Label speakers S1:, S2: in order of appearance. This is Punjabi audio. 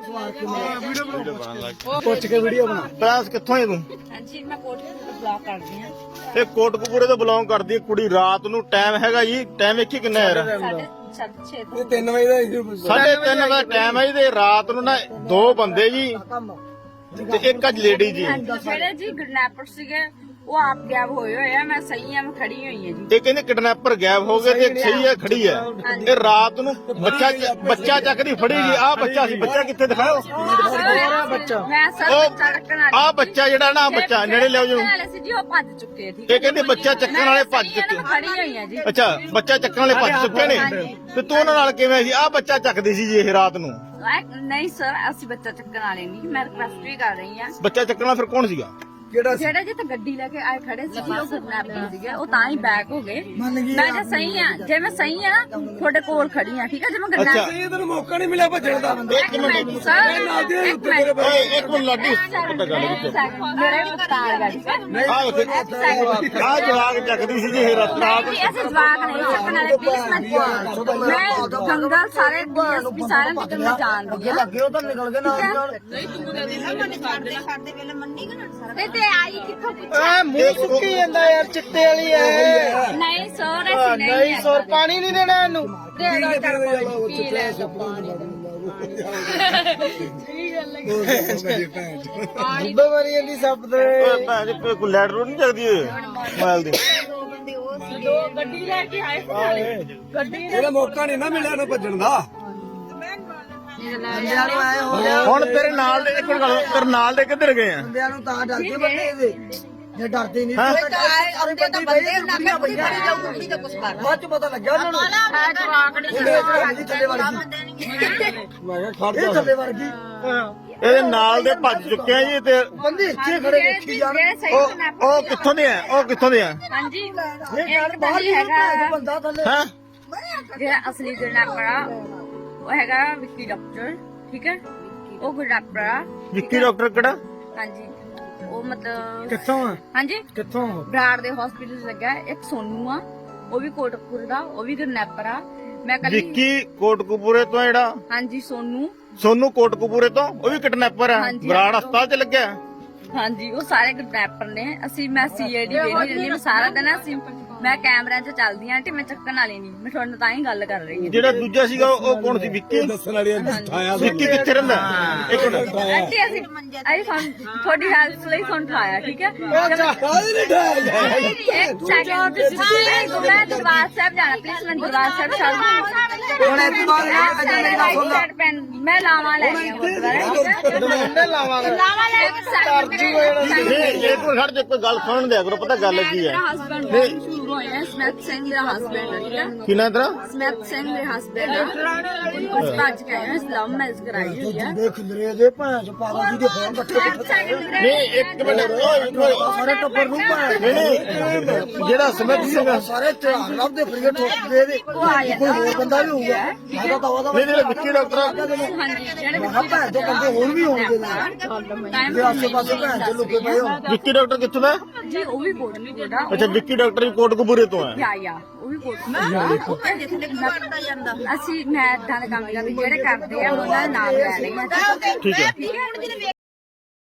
S1: ਪੁੱਛ ਕੇ ਵੀਡੀਓ ਬਣਾ।
S2: ਪ੍ਰਾਂਸ ਕਿੱਥੋਂ ਹੈ ਤੂੰ?
S3: ਹਾਂਜੀ ਮੈਂ ਕੋਟਕਪੂਰਾ ਬਲੌਗ ਕਰਦੀ ਹਾਂ।
S2: ਇਹ ਕੋਟਕਪੂਰੇ ਤੋਂ ਬਿਲੋਂਗ ਕਰਦੀ ਹੈ ਕੁੜੀ। ਰਾਤ ਨੂੰ ਟਾਈਮ ਹੈਗਾ ਜੀ, ਟਾਈਮ ਵੇਖੀ ਕਿੰਨਾ ਯਾਰ?
S3: 6:30
S1: ਇਹ 3 ਵਜੇ ਦਾ
S2: 3:30 ਦਾ ਟਾਈਮ ਹੈ ਜੀ। ਤੇ ਰਾਤ ਨੂੰ ਨਾ 2 ਬੰਦੇ ਜੀ ਤੇ ਇੱਕ ਅੱਜ ਲੇਡੀ ਜੀ।
S3: ਜਿਹੜੇ ਜੀ ਕਿਡਨੈਪਰ ਸੀਗੇ ਉਹ ਆਪ ਗਾਇਬ ਹੋਏ ਹੋਏ ਆ। ਮੈਂ ਸਹੀ ਆ, ਮੈਂ ਖੜੀ ਹੋਈ ਆ ਜੀ।
S2: ਇਹ ਕਹਿੰਦੇ ਕਿਡਨੈਪਰ ਗਾਇਬ ਹੋ ਗਏ ਤੇ ਇੱਕ ਸਹੀ ਹੈ ਖੜੀ ਹੈ। ਇਹ ਰਾਤ ਨੂੰ ਬੱਚਾ ਚੱਕਦੀ ਫੜੀ ਜੀ। ਆਹ ਬੱਚਾ ਸੀ, ਬੱਚਾ ਕਿੱਥੇ ਦਿਖਾਓ?
S1: ਬੱਚਾ
S3: ਮੈਂ ਸਰ ਬੱਚਾ ਰੱਖਣ ਵਾਲੀ
S2: ਆਹ ਬੱਚਾ ਜਿਹੜਾ ਨਾ, ਆਹ ਬੱਚਾ ਨੇੜੇ ਲਿਆਓ ਜੀ।
S3: ਵਾਲੇ ਸੀ ਜੀ, ਉਹ ਭੱਜ ਚੁੱਕੇ ਆ, ਠੀਕ
S2: ਇਹ ਕਹਿੰਦੇ ਬੱਚਾ ਚੱਕਣ ਵਾਲੇ ਭੱਜ ਚੁੱਕੇ।
S3: ਮੈਂ ਖੜੀ ਹੋਈ ਆ ਜੀ।
S2: ਅੱਛਾ, ਬੱਚਾ ਚੱਕਣ ਵਾਲੇ ਭੱਜ ਚੁੱਕੇ ਨੇ। ਤੇ ਤੂੰ ਉਹਨਾਂ ਨਾਲ ਕਿਵੇਂ ਸੀ? ਆਹ ਬੱਚਾ ਚੱਕਦੀ ਸੀ ਜੀ ਇਹ ਰਾਤ ਨੂੰ।
S3: ਨਹੀਂ ਸਰ, ਅਸੀਂ ਬੱਚਾ ਚੱਕਣ ਵਾਲੇ ਨਹੀਂ। ਮੈਂ ਰਿਕਵੈਸਟ ਵੀ ਕਰ ਰਹੀ ਆ।
S2: ਬੱਚਾ ਚੱਕਣ ਵਾਲਾ ਫਿਰ ਕੌਣ ਸੀਗਾ?
S3: ਜਿਹੜੇ ਜਿੱਥੇ ਗੱਡੀ ਲੈ ਕੇ ਆਏ ਖੜੇ ਸੀ ਉਹ ਕਿਡਨੈਪਰ ਸੀਗੇ। ਉਹ ਤਾਂ ਹੀ ਬੈਕ ਹੋ ਗਏ। ਮੈਂ ਜੇ ਸਹੀ ਆ, ਜੇ ਮੈਂ ਸਹੀ ਆ ਤੁਹਾਡੇ ਕੋਲ ਖੜੀ ਆ, ਠੀਕ ਆ। ਜੇ ਮੈਂ
S2: ਅੱਛਾ।
S1: ਇਹ ਤੈਨੂੰ ਮੌਕਾ ਨਹੀਂ ਮਿਲਿਆ ਭੱਜਣ ਦਾ।
S2: ਇੱਕ ਮਿੰਟ
S3: ਸਰ
S2: ਓਏ ਇੱਕ ਮਿੰਟ ਲਾਡੀ ਪਤਾ ਗੱਲ ਵਿੱਚ
S3: ਮੇਰੇ ਮੁਖਤਾਰ ਗਾੜੀ
S2: ਆਹ ਜਵਾਗ ਚੱਕਦੀ ਸੀ ਜੀ ਇਹ ਰਾਤ ਨੂੰ।
S3: ਅਸੀਂ ਜਵਾਕ ਨਹੀਂ ਚੱਕਣ ਵਾਲੇ। ਪਲੀਜ਼ ਮੈਂ ਜੰਗਲ ਸਾਰੇ ਡੀਐਸਪੀ ਸਾਰਿਆਂ ਦੀ ਗੱਲ ਜਾਣਦੀ ਆ।
S1: ਲੱਗੇ ਉਹ ਤਾਂ ਨਿਕਲ ਗਏ ਨਾਲ।
S3: ਤੇ ਆਈ ਕਿੱਥੋਂ
S1: ਆ ਮੂੰਹ ਸੁੱਕੀ ਜਾਂਦਾ ਯਾਰ, ਚਿੱਟੇ ਵਾਲੀ ਐ।
S3: ਨਹੀਂ ਸਰ, ਅਸੀਂ
S1: ਨਹੀਂ ਸੌਰ ਪਾਣੀ ਨਹੀਂ ਦੇਣਾ ਇਹਨੂੰ।
S3: ਦੇ ਦੋ ਚਾਰ ਪਾਣੀ ਪੀ ਲੈ।
S1: ਬਿਮਾਰੀ ਇਹਦੀ ਸੱਪ ਦੇ।
S2: ਓਏ ਭੈਣ ਜੀ ਕੋਈ ਲੈਟ ਰੋਡ ਨਹੀਂ ਚੱਕਦੀ ਮੋਬਾਈਲ ਦੀ।
S3: ਗੱਡੀ ਲੈ ਕੇ ਆਏ ਸੀ ਗੱਡੀ
S1: ਇਹਦਾ ਮੌਕਾ ਨਹੀਂ ਨਾ ਮਿਲਿਆ ਇਹਨੂੰ ਭੱਜਣ ਦਾ। ਬੰਦਿਆਂ ਨੂੰ ਐ ਹੋ ਗਿਆ।
S2: ਹੁਣ ਤੇਰੇ ਨਾਲ ਦੇ ਇੱਕ ਮਿੰਟ ਗੱਲ, ਤੇਰੇ ਨਾਲ ਦੇ ਕਿੱਧਰ ਗਏ ਆ?
S1: ਬੰਦਿਆਂ ਨੂੰ ਤਾਂ ਡਰਦੇ ਬੰਦੇ ਇਹਦੇ। ਜੇ ਡਰਦੇ ਨਹੀਂ
S2: ਹੈਂ?
S1: ਬਾਅਦ ਚ ਪਤਾ ਲੱਗਿਆ ਉਹਨਾਂ ਨੂੰ। ਇਹ ਥੱਲੇ ਵਰਗੀ।
S2: ਇਹਦੇ ਨਾਲ ਦੇ ਭੱਜ ਚੁੱਕੇ ਆ ਜੀ। ਤੇ
S1: ਬੰਦੇ ਇੱਥੇ ਖੜੇ ਵੇਖੀ ਜਾਣ।
S2: ਉਹ ਕਿੱਥੋਂ ਦੇ ਆ? ਉਹ ਕਿੱਥੋਂ ਦੇ ਆ?
S3: ਹਾਂਜੀ
S1: ਇਹ ਯਾਰ ਬਾਹਰ ਹੀ ਹੈਗਾ ਬੰਦਾ ਥੱਲੇ।
S2: ਹੈਂ?
S3: ਜਿਹੜਾ ਅਸਲੀ ਕਿਡਨੈਪਰ ਆ ਉਹ ਹੈਗਾ ਵਿੱਕੀ ਡਾਕਟਰ, ਠੀਕ ਹੈ। ਉਹ ਕਿਡਨੈਪਰ ਆ।
S2: ਵਿੱਕੀ ਡਾਕਟਰ ਕਿਹੜਾ?
S3: ਹਾਂਜੀ ਉਹ ਮਤਲਬ
S1: ਕਿੱਥੋਂ ਆ?
S3: ਹਾਂਜੀ
S1: ਕਿੱਥੋਂ?
S3: ਬਰਾੜ ਦੇ ਹਸਪੀਟਲ ਲੱਗਾ। ਇੱਕ ਸੋਨੂ ਆ, ਉਹ ਵੀ ਕੋਟਕਪੂਰੇ ਦਾ, ਉਹ ਵੀ ਕਿਡਨੈਪਰ ਆ। ਮੈਂ ਕੱਲ
S2: ਵਿੱਕੀ ਕੋਟਕਪੂਰੇ ਤੋਂ ਜਿਹੜਾ
S3: ਹਾਂਜੀ
S2: ਸੋਨੂ ਕੋਟਕਪੂਰੇ ਤੋਂ, ਉਹ ਵੀ ਕਿਡਨੈਪਰ ਆ।
S3: ਹਾਂਜੀ।
S2: ਬਰਾੜ ਹਸਪਤਾਲ ਚ ਲੱਗਿਆ।
S3: ਹਾਂਜੀ ਉਹ ਸਾਰੇ ਕਿਡਨੈਪਰ ਨੇ। ਮੈਂ ਸੀਆਈਡੀ ਵੇਖਦੀ ਰਹਿੰਦੀ। ਮੈਂ ਸਾਰਾ ਦਿਨ ਮੈਂ ਕੈਮਰਿਆਂ 'ਚ ਚੱਲਦੀ ਆਂ ਆਂਟੀ। ਮੈਂ ਚੱਕਣ ਵਾਲੀ ਨਹੀਂ, ਮੈਂ ਤੁਹਾਡੇ ਨਾਲ ਤਾਂ ਹੀ ਗੱਲ ਕਰ ਰਹੀ ਹਾਂ।
S2: ਜਿਹੜਾ ਦੂਜਾ ਸੀਗਾ ਉਹ ਕੌਣ ਸੀ? ਵਿੱਕੀ
S1: ਦੱਸਣ ਵਾਲੀ ਉਠਾਇਆ।
S2: ਵਿੱਕੀ ਕਿੱਥੇ ਰਹਿੰਦਾ? ਇੱਕ ਮਿੰਟ
S3: ਆਂਟੀ ਅਸੀਂ ਤੁਹਾਡੀ ਹੈਲਪ ਲਈ ਤੁਹਾਨੂੰ ਉਠਾਇਆ, ਠੀਕ ਹੈ। ਇੱਕ ਸੈਕਿੰਡ ਮੈਂ ਦਰਬਾਰ ਸਾਹਿਬ ਜਾਣਾ, ਪਲੀਜ਼ ਮੈਂ ਦਰਬਾਰ ਸਾਹਿਬ ਛੱਡ
S1: ਹੁਣ ਇਸ ਤੋਂ ਬਾਅਦ
S3: ਮੈਂ ਲਾਵਾਂ ਲੈ ਕੇ ਲਾਵਾਂ ਲੈ ਕੇ
S2: ਨਹੀਂ ਇੱਕ ਮਿੰਟ ਖੜ ਜਾ, ਕੋਈ ਗੱਲ ਸੁਣਨ ਦਿਆ ਕਰੋ। ਪਤਾ ਗੱਲ ਕੀ ਹੈ?
S3: ਹਸਬੈਂਡ ਸ਼ੁਰੂ ਹੋਇਆ ਸਮੈਥ ਸਿੰਘ ਦਾ ਹਸਬੈਂਡ ਹੈ, ਠੀਕ ਹੈ।
S2: ਕੀ ਨਾਂ ਤੇਰਾ?
S3: ਸਮੈਥ ਸਿੰਘ ਦੇ ਹਸਬੈਂਡ ਆ। ਭੱਜ ਕੇ ਆਏ ਇਸਲਾਮ ਮੈਰਿਜ ਕਰਾਈ ਹੋਈ ਆ।
S1: ਦੇਖ ਖਿਲਰੇ ਦੇ ਭੈਣ ਚ ਪਾਗਲ ਜੀ ਦੇ ਫੋਨ ਇਕੱਠੇ
S2: ਨਹੀਂ ਇੱਕ ਮਿੰਟ
S1: ਸਾਰੇ ਟੱਬਰ ਨੂੰ ਭੈਣ।
S2: ਨਹੀਂ ਜਿਹੜਾ ਸਮਿਤ ਸਿੰਘ
S1: ਸਾਰੇ ਧਿਆਨ ਲੱਭਦੇ ਫਰੀਏ ਠੋਕਦੇ ਦੇ। ਕੋਈ ਹੋਰ ਬੰਦਾ ਵੀ ਹੋਊਗਾ। ਆਦਾ ਤਵਾ ਦਾ
S2: ਨਹੀਂ ਜਿਹੜਾ ਵਿੱਕੀ ਡਾਕਟਰ
S3: ਹਾਂਜੀ ਜਿਹੜੇ
S1: ਮੈਂ ਭੈਣ ਤੋਂ ਬੰਦੇ ਹੋਰ ਵੀ ਹੋਣਗੇ ਨਾਲ। ਜੇ ਆਸੇ ਪਾਸੇ ਭੈਣ ਚ ਲੁਕੇ ਪਏ ਹੋ।
S2: ਵਿੱਕੀ ਡਾਕਟਰ ਕਿੱਥੋਂ ਦਾ?
S3: ਜੀ ਉਹ ਵੀ ਕੋਟਕਪੂਰੇ ਦਾ।
S2: ਅੱਛਾ ਵਿੱਕੀ ਡਾਕਟਰ ਵੀ ਕੋਟਕਪੂਰੇ ਤੋਂ ਹੈ।
S3: ਯਾ ਉਹ ਵੀ ਕੋਟਕਪੂਰੇ ਅਸੀਂ ਮੈਂ ਏਦਾਂ ਦੇ ਕੰਮ ਕਰਦੇ ਜਿਹੜੇ ਕਰਦੇ ਆ ਉਹਨਾਂ ਦਾ ਨਾਮ ਲੈ ਰਹੀ ਹਾਂ,
S2: ਠੀਕ ਹੈ।
S3: ਠੀਕ ਹੈ।